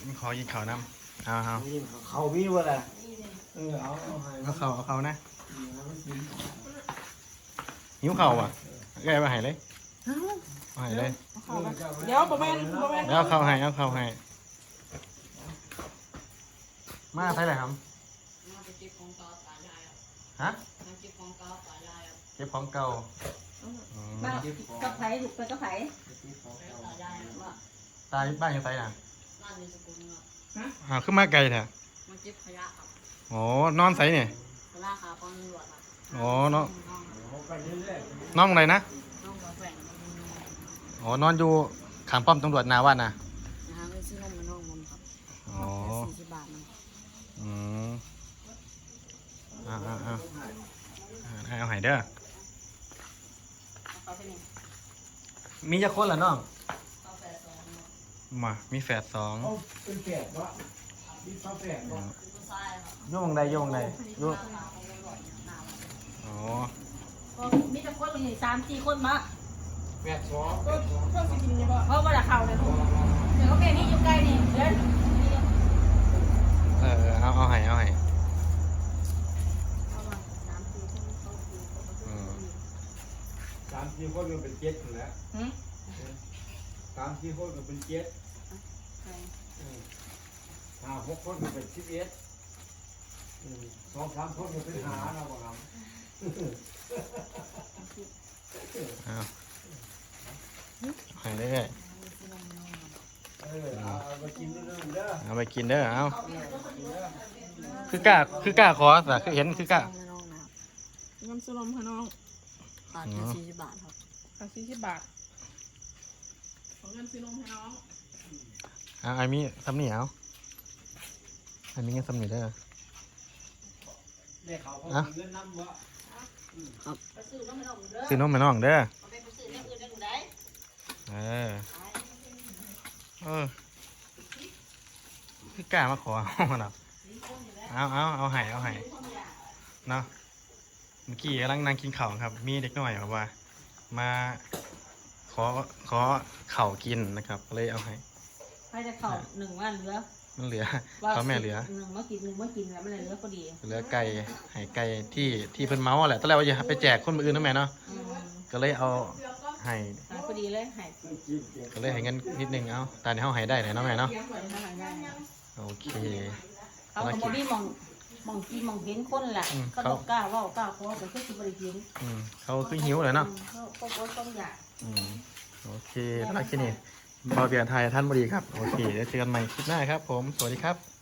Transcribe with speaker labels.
Speaker 1: ขอกินข้าวน้ำเอา
Speaker 2: เขามีว่าอะไรเอา
Speaker 1: เขานะหิวเข่าอ่ะแกมาให้เลยมาให้เลย
Speaker 3: เดี๋ยวประมาณ
Speaker 1: แล้วเข้าให้มาใช่ไหมครับฮะเก็บของเก่า
Speaker 4: บ้านกับไผ่ถูกไปกับไผ่
Speaker 1: ตายบ้านยังไงน่ะขึ้นมาไกลแท้
Speaker 5: มันเก็บขยะครับ
Speaker 1: อ๋อนอนใส่เนี่ย
Speaker 5: ราคาปอนตำรวจครับ
Speaker 1: อ๋อนอนอะไรนะ
Speaker 5: น้องกาแฟ
Speaker 1: อ๋อนอนอยู่ข้างป้อมตำรวจนาวัดนะ
Speaker 5: ไปซื้อนมมาน้องนมครับ
Speaker 1: อ๋อ
Speaker 5: 40 บาทมัน
Speaker 1: อืมเอาให้เด้อมีจะคนเหรอน้องมามีแฝด2
Speaker 2: เป็นแฝดวะมีฟ้าแฝดวะ
Speaker 1: โยงใดโยงอ๋อ
Speaker 4: มีแต่คนมี3-4 คนมา
Speaker 2: แฝด2
Speaker 3: ก็สิกินยังบ่
Speaker 4: เพราะว่าเข่าเลยเดี๋ยวเขาแก่นี่อยู่ใกล้นี่เดิน
Speaker 1: เอาให้
Speaker 2: 3-4 คนก็เป็น7อยู่แล้ว3-4 คนก็เป็น7 5-6 คนก็เป็น11 2-3 คนก็เป็น5นะบ่ครับ
Speaker 1: ให้เรื่อย
Speaker 2: เอาไปกินเรื่องเด้อ
Speaker 1: เอาไปกินเด้อเอาคือกล้าขอแต่คือเห็นคือกล้า
Speaker 3: น้ำซุปลมค่ะน้อง
Speaker 5: ขาด40 บาทครับ
Speaker 3: ขาด40 บาทของเงินซื้อนมให้น้อง
Speaker 1: ไอ้มีซ้ำนี่เอาไอ้มีเงินซ้ำนี่ได้เหรอ
Speaker 2: เงินน้ำวะ
Speaker 1: ซื้อนมให้น้องเด้อคือกล้ามาขอเอาเนาะเอาให้เนาะเมื่อกี้กำลังนั่งกินข้าวครับมีเด็กน้อยแบบว่ามาขอข้าวกินนะครับเลยเอาให้
Speaker 4: ให้จะเข่า1 วันเหลือ
Speaker 1: มันเหลือเขาแม่เหลือ
Speaker 4: 1 มากินแล้วมันเหลือพอดี
Speaker 1: เหลือไก่ให้ไก่ที่เพิ่นเมาแหละตอนแรกว่าจะไปแจกคนอื่นนะแม่เนาะก็เลยเอาให้
Speaker 4: พอดีเลยให้
Speaker 1: ก็เลยให้เงินนิดนึงเอาตอนนี้เขาให้ได้เลยเนาะแม่เนาะโอเค
Speaker 4: เขาก็บ่มีมองกินมองเห็นคนแหละเขาบอกกล้าว่ากล้าขอแต่คือสิบ่ได้กิน
Speaker 1: เขาคือหิวเลยเนาะ
Speaker 4: เขาก็ต้องอยาก
Speaker 1: โอเคสำหรับคลิปนี้บอเบียนไทยท่านบดีครับโอเคเดี๋ยวเจอกันใหม่คลิปหน้าครับผมสวัสดีครับ